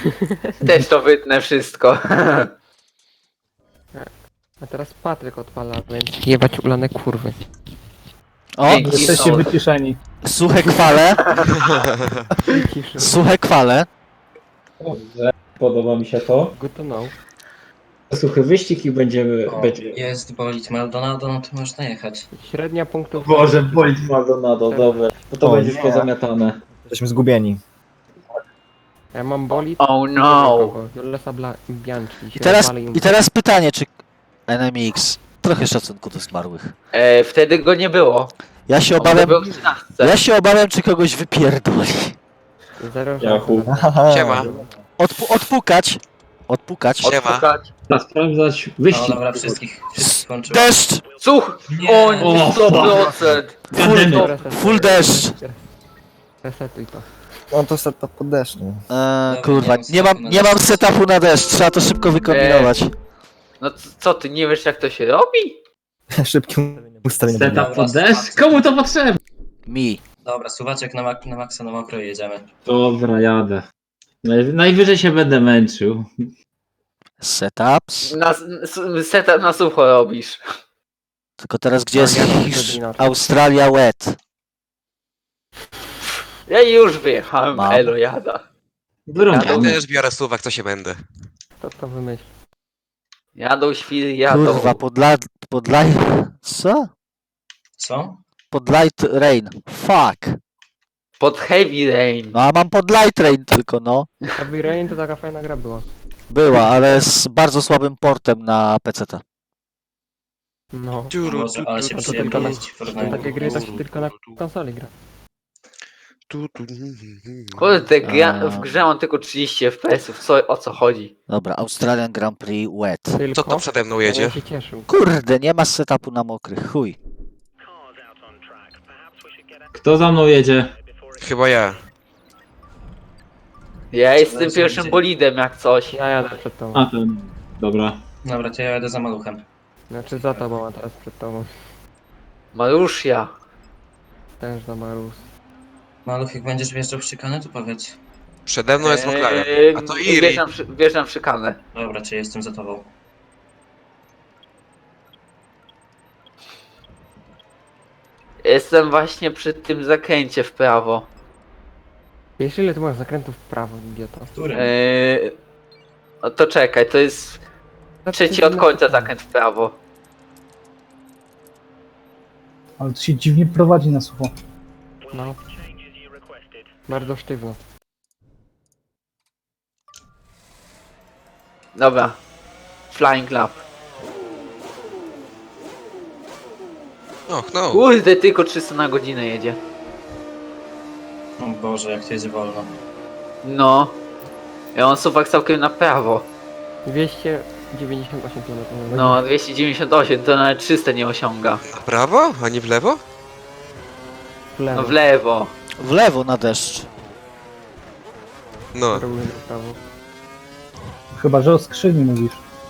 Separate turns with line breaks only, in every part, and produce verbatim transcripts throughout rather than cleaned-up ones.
Też to wytnę wszystko.
A teraz Patryk odpala, więc jebać ulane kurwy.
O,
Dzięki.
Jesteście
są.
wyciszeni.
suche kwale,
Ciszy.
suche kwale.
Dobrze, podoba mi się to.
Good to know.
Suchy wyścig i będziemy...
O,
będzie...
jest bolid Maldonado, no to można jechać.
Średnia punktów...
Boże, bolid Maldonado, dobra. No to
O,
będzie już
nie.
pozamiatane.
Jesteśmy zgubieni.
Ja mam bolid...
Oh no.
Jolesa Bla... Bianchi.
I teraz, I teraz pytanie, czy N M X... Trochę szacunku do zmarłych.
E, wtedy go nie było.
Ja się
On
obawiam...
był w trzynastce.
Ja się obawiam, czy kogoś wypierdoli.
Zero
Yahoo.
Siema.
Odpu odpukać. Odpukać.
Siema.
Odpukać.
Trzeba sprawdzać
No
wyścig.
dobra, wszystkich, wszystkich skończyło.
Deszcz!
Słuch!
Nie.
O nie, sto procent!
Full,
Gademy.
full deszcz.
Resetuj to.
On to setup pod deszcz, nie?
Eee,
Dobra,
kurwa,
nie mam
nie mam, nie mam setupu na deszcz, trzeba to szybko wykombinować.
No c- co ty, nie wiesz jak to się robi?
Szybkim ustawieniem.
Setup pod deszcz? Komu to potrzebne?
Mi.
Dobra, suwaczek na, mak na maksa na mokro jedziemy.
Dobra, jadę. Naj najwyżej się będę męczył.
Setups.
Na, s- setup na sucho robisz.
Tylko teraz gdzie jest
Ja mam
Hisz-
wtedy inaczej.
Australia wet?
Ja już wyjechałem,
Mam.
elo jada.
Ja
Wyrąbamy.
też biorę suwak, co się będę.
Kto to wymyśli?
Jadą świry, jadą.
Kurwa, pod, la pod light... Co?
Co?
Pod light rain. Fuck.
Pod heavy rain.
No a mam pod light rain tylko, no.
Heavy Rain to taka fajna gra była.
Była, ale z bardzo słabym portem na P C T.
No.
Ciuru,
Może, ale się
to
przyjemnie
tylko na-
jeździ w porównaniu
Takie gry to
do-
się tylko na konsoli gra.
tu, tu,
Kurde, gra,
A.
w grze mam tylko trzydzieści F P S-ów, co, o co chodzi?
Dobra, Australian Grand Prix wet.
Tylko...
Co to przede mną
Ja
jedzie?
się cieszył.
Kurde, nie ma setupu na mokrych, chuj.
Kto za mną jedzie?
Chyba ja.
Ja jestem
Zaraz
pierwszym
będzie.
bolidem jak coś.
Ja jadę przed tobą.
A ten. Dobra.
Dobra, to ja jadę za maluchem.
Znaczy za tobą, a teraz przed tobą.
Maruszia.
Też za Marus.
Maluch, jak będziesz wjeżdżał w szykanę, to powiedz.
Przede mną jest McLaren. A to
Eee,
Iri.
Wjeżdżam, przy- wjeżdżam w szykanę.
Dobra, czy jestem za tobą?
Jestem właśnie przy tym zakręcie w prawo.
Wiesz ile ty masz zakrętów w prawo, idioto?
Którym?
Eee, no to czekaj, to jest trzeci od końca zakręt w prawo.
Ale to się dziwnie prowadzi na sucho.
No. Bardzo sztywno.
Dobra. Flying lap.
Och, no.
Kurde, tylko trzysta na godzinę jedzie.
O Boże, jak to jest wolno.
No. Ja mam suwak całkiem na prawo.
dwieście dziewięćdziesiąt osiem kilometrów na godzinę.
No, dwieście dziewięćdziesiąt osiem, to nawet trzysta nie osiąga.
Na prawo? A nie w lewo?
W lewo.
No w lewo.
W lewo na deszcz.
No.
Robimy w prawo.
Chyba, że o skrzyni mówisz.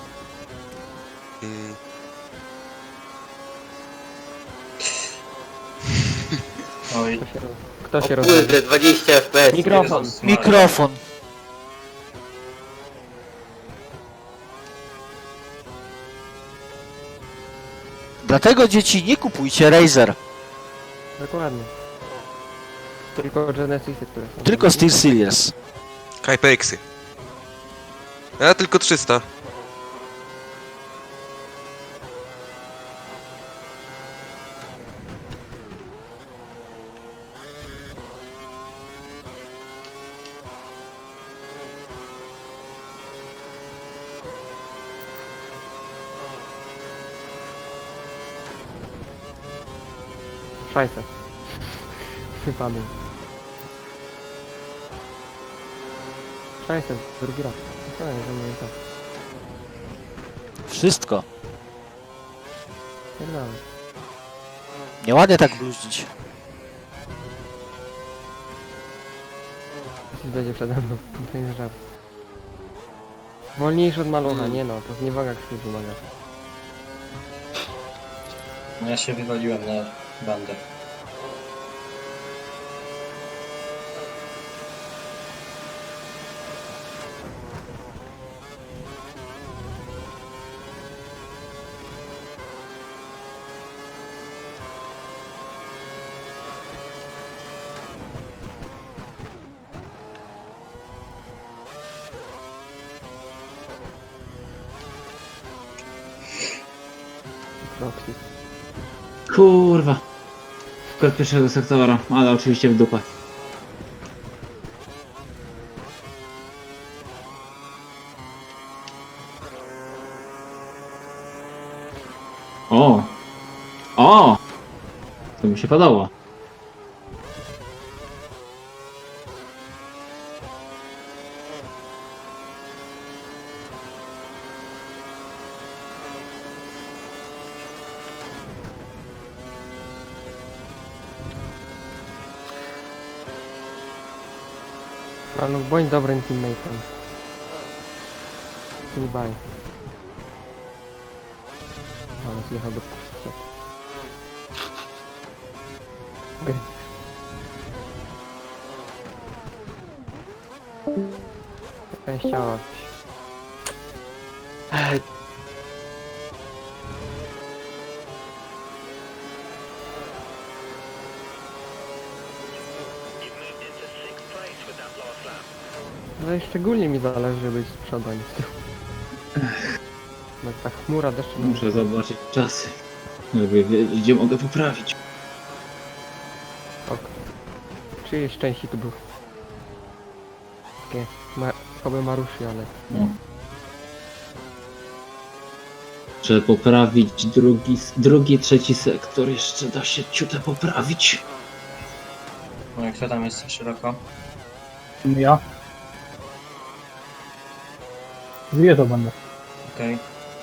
Mm.
Oj,
Kto się, roz... Kto
O
się rozwodzi?
kurde, dwadzieścia F P S.
Mikrofon.
Jezus Maria.
Mikrofon. Dlatego dzieci nie kupujcie Razer,
Dokładnie. Tylko Genesisy, które są.
tylko Steel Series.
HyperXy. A tylko trzysta.
Szajse. Wypadł. Szajse, drugi raz. To jest, że mówię tak.
Wszystko.
Pierdolę.
Nieładnie tak bluźnić.
Coś będzie przede mną. To nie jest żart. Wolniejszy od malucha, nie no, to zniewaga krwi wymaga.
No ja się wywaliłem na bandę.
Roxy.
Kurwa. Skład pierwszego sektora, ale oczywiście w dupę. O! O! To mi się podoba.
Ale bądź dobrym teammate'em. Nie baj. Ale zjechał do puszczy. Okej. Szczęściałaś.
Ej,
No i szczególnie mi zależy być z przodu, a nie z tyłu. No ta chmura deszczu...
Muszę zobaczyć czasy, żeby wiedzieć, gdzie mogę poprawić.
Ok. Czyjeś szczęście tu był? Takie... Ma... Choby Maruszy, ale...
No. Trzeba poprawić drugi, drugi, trzeci sektor. Jeszcze da się ciutę poprawić.
No i kto tam jest szeroko?
Ja. Zje to będę.
Okej.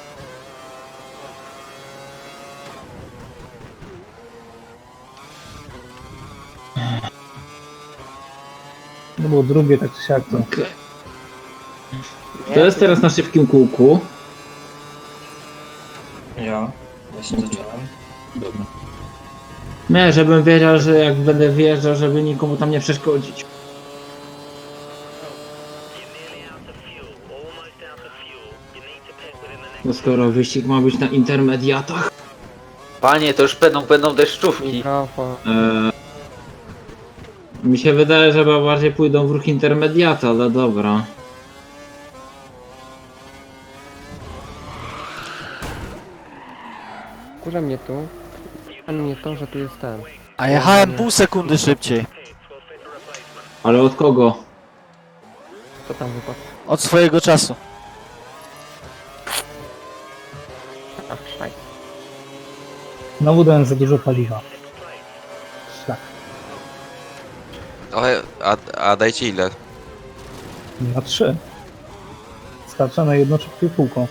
No było drugie, tak czy siak to.
Okay. To jest teraz na szybkim kółku.
Ja. Właśnie zacząłem.
Dobra. Nie, żebym wiedział, że jak będę wjeżdżał, żeby nikomu tam nie przeszkodzić. Bo skoro wyścig ma być na intermediatach,
panie, to już będą, będą deszczówki.
Mikrofon.
Eee, mi się wydaje, że chyba bardziej pójdą w ruch intermediata, ale dobra.
Kurza mnie tu. A mnie to, że tu jest ten.
A jechałem pół sekundy szybciej.
Ale od kogo?
Co tam wypadł?
Od swojego czasu.
Ach, szaj.
Znowu dałem za dużo paliwa. Tak.
Ale, a, a dajcie ile?
Na trzy. Starcza na jedno szybkie kółko.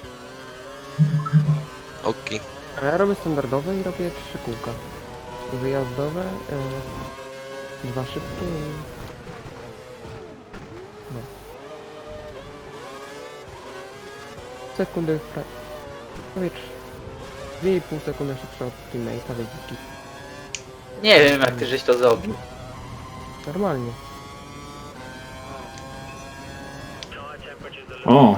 Okej.
A ja robię standardowe i robię trzy kółka. Wyjazdowe, yy, dwa szybkie i... No. Sekundy w pra... Powiedz... dwie i pół sekundy szybsze od teammate'a wydziki.
Nie wiem, jak ty żeś to zrobił.
Normalnie.
O!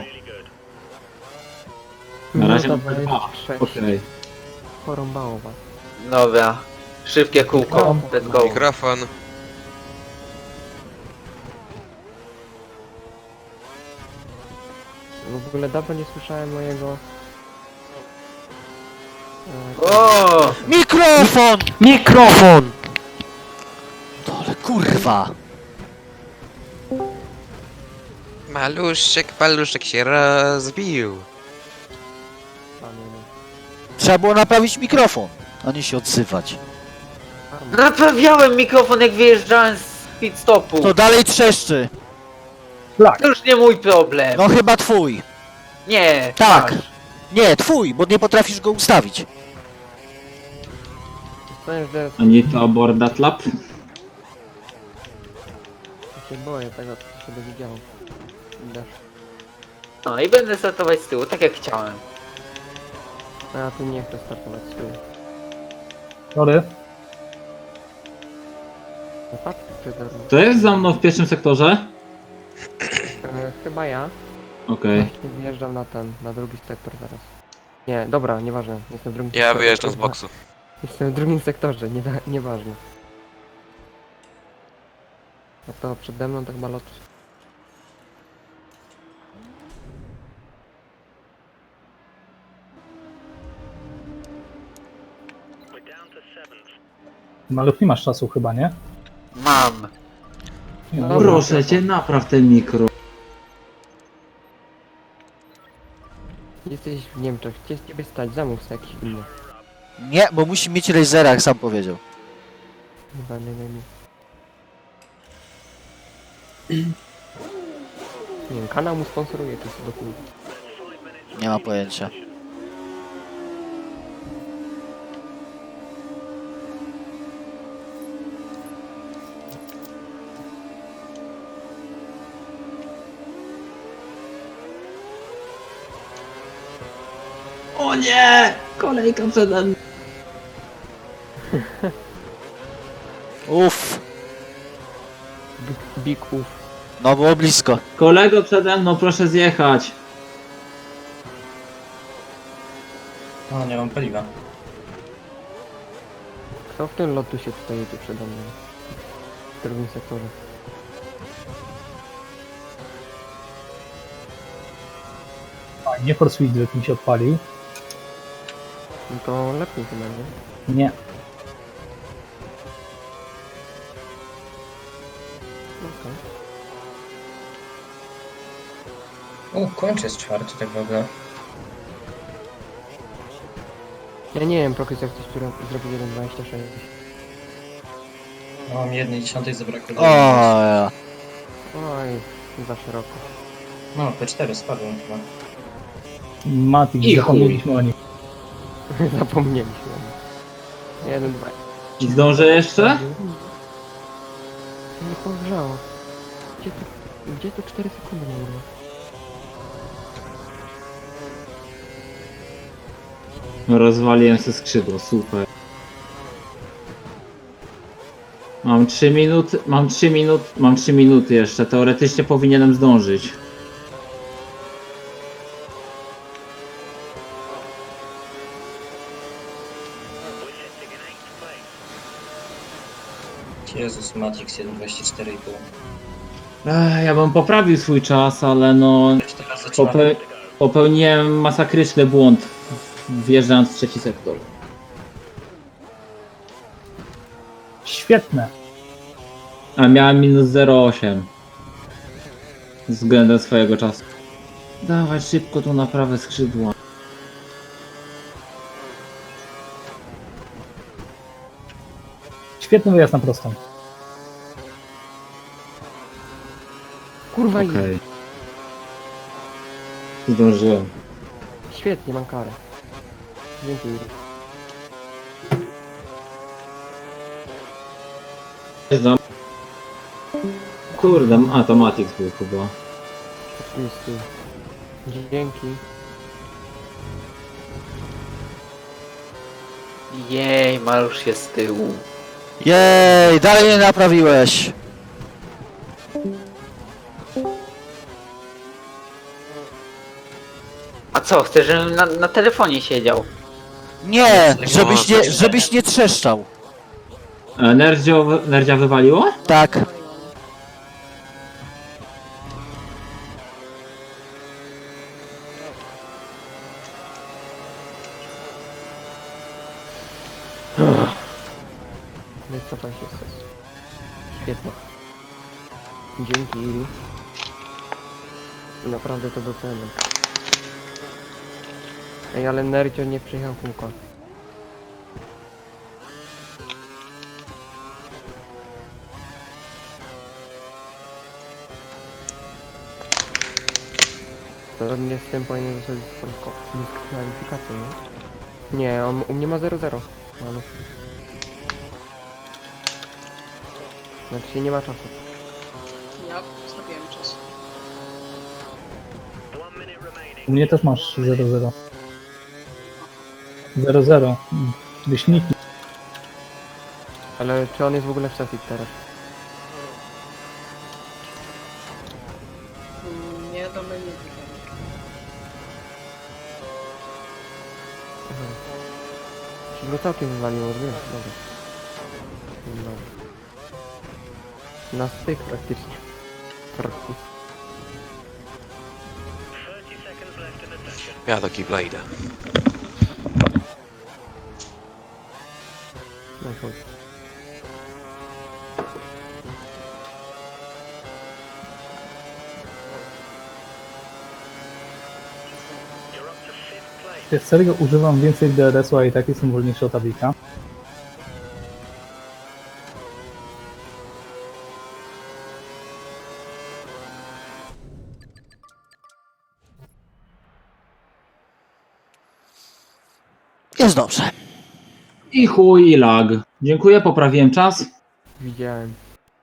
Na razie
Minuta
numer dwa.
dwadzieścia sześć.
Okej.
Porąbało was.
Dobra. Szybkie kółko. Let's go.
Mikrofon.
W ogóle dawno nie słyszałem mojego... e,
O!
Mikrofon!
Mikrofon!
Dole, kurwa!
Maluszek, paluszek się rozbił.
Trzeba było naprawić mikrofon, a nie się odzywać.
Naprawiałem mikrofon, jak wyjeżdżałem z pit stopu.
To dalej trzeszczy.
Flak.
To już nie mój problem.
No chyba twój.
Nie.
Tak.
masz.
Nie, twój, bo nie potrafisz go ustawić.
Powiem, że
A nie to abort that lap?
się boję tego, co się dowiedziałem. Dasz.
No i będę startować z tyłu, tak jak chciałem.
A ja tu nie chcę startować z tyłu.
Sorry.
Wypadł czy darmo?
To jest za mną w pierwszym sektorze?
E, chyba ja.
Okej.
Właśnie wjeżdżam na ten, na drugi sektor zaraz. Nie, dobra, nieważne. Jestem w drugim
Ja
sektorze.
wyjeżdżam z boksu.
Jestem w drugim sektorze, nie, nieważne. A to przede mną tak malot.
Maluch, nie masz czasu chyba, nie?
Mam.
Nie,
No,
dobra.
Proszę cię, napraw ten mikro.
Jesteś w Niemczech, gdzie z ciebie stać? Zamów sobie jakiś inny.
Nie, bo musi mieć lasera, jak sam powiedział.
Chyba nie wiem. Nie wiem, kanał mu sponsoruje, to jest do chuj.
Nie ma pojęcia.
O nie! Kolejka przede mną.
Uff,
Big, big uff.
no było blisko.
Kolego przede mną, proszę zjechać.
O, nie mam paliwa.
Kto w tym lotu się tutaj jedzie przede mną? W drugim sektorze.
Nie Force Widget mi się odpalił.
No to lepiej chyba, nie?
Nie.
Okej.
U, kończy jest czwarty tak w ogóle.
Ja nie wiem, Prokys, jak ktoś który zrobił jeden dwadzieścia sześć.
No, mam jednej dziesiątej zabrakło.
O, ja.
Oj, za szeroko.
No, P cztery spadłem chyba.
Matik,
I chuj.
zapomnieliśmy o nim.
Zapomnieliśmy. Jeden, dwa.
I zdążę jeszcze?
Nie pogrzało. Gdzie to, gdzie to cztery sekundy nie było?
Rozwaliłem sobie skrzydło, super. Mam trzy minuty, mam trzy minuty, mam trzy minuty jeszcze, teoretycznie powinienem zdążyć.
Jezus, Matrix jeden dwadzieścia cztery i pół.
Ech, ja bym poprawił swój czas, ale no
Teraz zaczynam.
pope popełniłem masakryczny błąd w- wjeżdżając w trzeci sektor.
Świetne.
A miałem minus zero przecinek osiem względem swojego czasu. Dawaj szybko tu na prawe skrzydło.
Świetny wyjazd na prostą.
Kurwa,
Okej. Zdążyłem.
świetnie, mam karę. Dzięki.
Znam. Kurde, a to Matix był chyba.
Listy. Dzięki.
Jej, Marusz jest z tyłu.
Jej, dalej nie naprawiłeś.
A co, chcesz, żebym na, na telefonie siedział?
Nie, żebyś nie, żebyś nie trzeszczał.
E, Nerdzio, nerdzia wywaliło?
Tak.
Wycofaj się stres. Świetnie. Dzięki, Iri. Naprawdę to doceniam. Ej, ale Nerdzio nie przyjechał kółka. Zgodnie z tym powinien zostać dyskwalifikację, nie? Nie, on u mnie ma zero zero. No, no. Znaczy nie ma czasu.
Ja zrobiłem czas.
U mnie też masz zero zero. zero zero. Wyśniki.
Ale czy on jest w ogóle w sesji teraz?
Mm, Nie, do menu wygrałem.
Aha. Czyli go całkiem wywaliło, wiesz? Dobra. Dobra. Na styk praktycznie. Praktycznie.
Ja do kibla idę.
Wiesz, serio używam więcej D R S-u, a i tak jestem wolniejszy od Avika.
Jest dobrze.
I chuj, i lag. Dziękuję, poprawiłem czas.
Widziałem.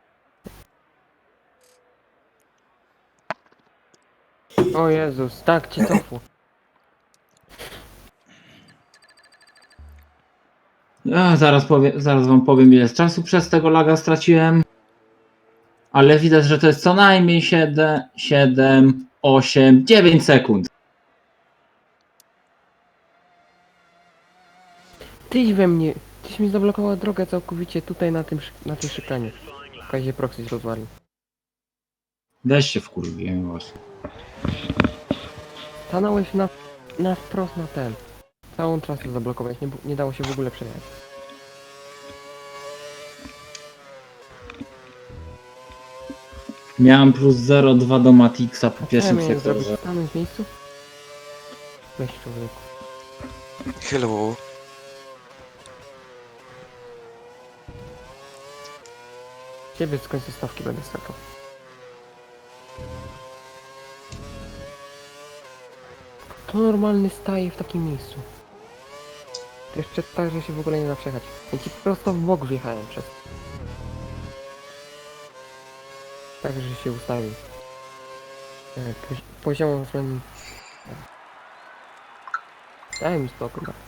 O Jezus, tak ci cofło.
Ech, zaraz, powie, zaraz wam powiem, ile z czasu przez tego laga straciłem. Ale widać, że to jest co najmniej siedem, siedem, osiem, dziewięć sekund.
Tyś we mnie, tyś mi zablokowała drogę całkowicie tutaj na tym, szy- na tej szykanie. W razie proxy się rozwalił.
Weź się wkurwiłem właśnie.
Stanąłeś na, na wprost na ten. Całą trasę zablokować, nie, bu- nie dało się w ogóle przejechać.
Miałem plus zero przecinek dwa do Matixa po
Co ja
pierwszym
miałem zrobić?
sektorze.
Stanąć w miejscu? Weź człowieku.
Hello.
Ciebie z końca stawki będę skakał. To normalny staje w takim miejscu. To jeszcze tak, że się w ogóle nie da przejechać. Ja ci prosto w bok wjechałem przez. Tak, że się ustawił. E, pozi- Poziomą friendly. Daj mi spokój. no.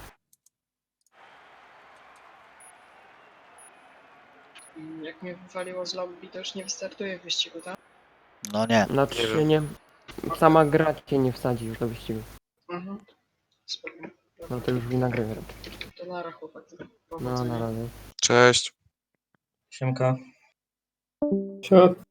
Mm, Jak mnie wywaliło z lobby, to już nie wystartuję w wyścigu, tak?
No nie.
Znaczy
Nie
się
wiem.
nie... Sama gra cię nie wsadzi już do wyścigu.
Mhm. Spoko.
No to już wina gry wręcz.
To nara chłopak.
No
Powodzenia.
na razie.
Cześć.
Siemka.
Siad.